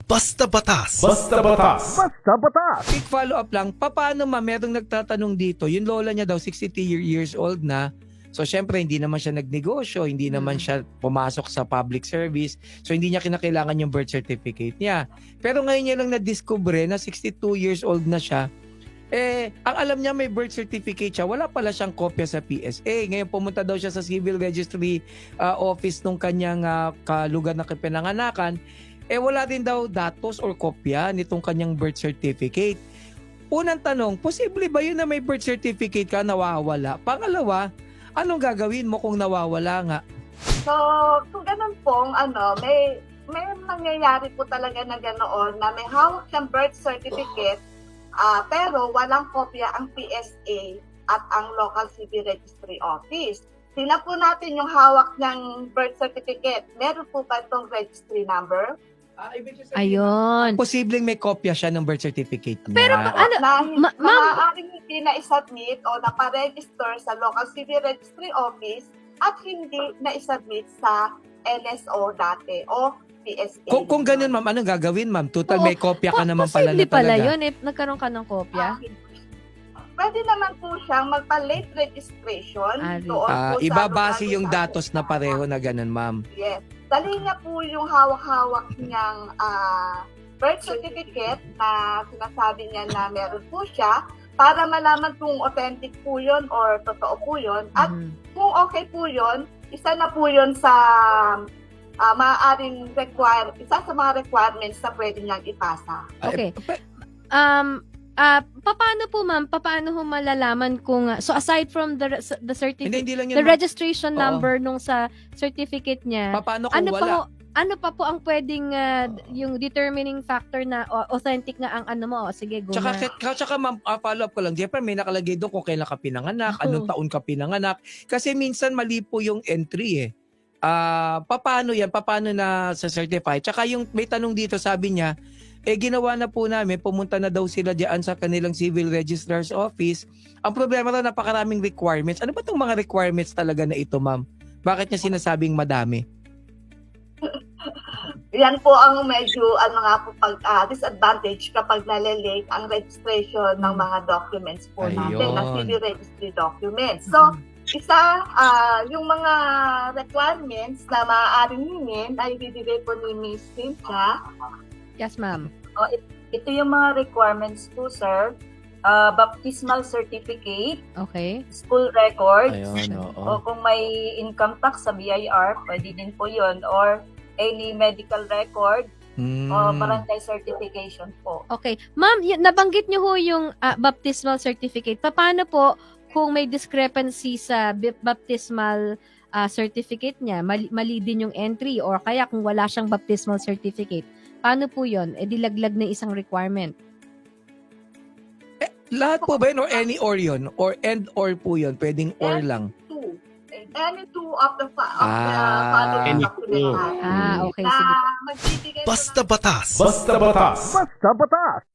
Basta Batas. Basta Batas. Basta Batas. Quick follow-up lang, paano merong nagtatanong dito, yung lola niya daw 63 years old na, so syempre hindi naman siya nagnegosyo, hindi naman siya pumasok sa public service, so hindi niya kinakailangan yung birth certificate niya. Pero ngayon niya lang na-discover na 62 years old na siya, ang alam niya may birth certificate siya, wala pala siyang kopya sa PSA. Ngayon pumunta daw siya sa civil registry office nung kanyang lugar na pinanganakan, wala din daw datos or kopya nitong kanyang birth certificate. Unang tanong, posible ba yun na may birth certificate ka nawawala? Pangalawa, anong gagawin mo kung nawawala nga? So, kung ganun pong, may nangyayari po talaga na ganoon na may hawak siyang birth certificate, pero walang kopya ang PSA at ang local civil registry office. Tingnan po natin yung hawak ng birth certificate. Meron po ba itong registry number? Ayun. Posibleng may kopya siya ng birth certificate niya. Pero ano, Na ma'am, maaaring hindi na isubmit o naparegister sa local civil registry office at hindi na isubmit sa NSO dati o PSA. Kung ganun ma'am, anong gagawin ma'am? Total Oo. may kopya ka naman pala na posible pala talaga. yun nagkaroon ka ng kopya. Pwede naman po siyang magpa-late registration. Doon po sa Ibabase local yung civil datos na pareho na ganun ma'am. Yes. Dali niya po yung hawak-hawak niyang birth certificate na sinasabi niya na meron po siya para malaman kung authentic po yun or totoo po yun. At kung okay po yun, isa na po yun sa maaaring isa sa mga requirements na pwede niyang ipasa. Okay. Paano po ma'am, paano ho malalaman kung so aside from the certificate, Hindi lang yun the ma'am. registration Oo. number nung sa certificate niya, Paano kung wala? ano pa po ang pwedeng yung determining factor na authentic nga ang ano mo? Sige, go na. Tsaka ma'am, follow up ko lang. Siyempre may nakalagay doon kung kailan ka pinanganak, anong taon ka pinanganak. Kasi minsan mali po yung entry paano yan? Paano na sa certify? Tsaka yung may tanong dito, sabi niya, ginawa na po namin, pumunta na daw sila diyan sa kanilang civil registrar's office. Ang problema raw, napakaraming requirements. Ano ba itong mga requirements talaga na ito, ma'am? Bakit niya sinasabing madami? Yan po ang medyo disadvantage kapag nalilate ang registration ng mga documents po natin, Ayun. na civil registry documents. So, yung mga requirements na maaaring hingin ay ibibigay po ni Ms. Cynthia. Yes, ma'am. Ito yung mga requirements po, sir. Baptismal certificate, Okay. school records, Ayun, o kung may income tax sa BIR, pwede din po yun, or any medical record, o barangay certification po. Okay. Ma'am, nabanggit niyo ho yung baptismal certificate. Paano po kung may discrepancy sa baptismal certificate niya? Mali din yung entry or kaya kung wala siyang baptismal certificate. Paano po yun? Dilaglag na isang requirement. Lahat po ba yun or any or yun? Or and or po yun? Pwedeng or lang. Any two of the Any following documents. Okay. Sige. Magbibigay po Basta Batas. Basta Batas. Basta Batas.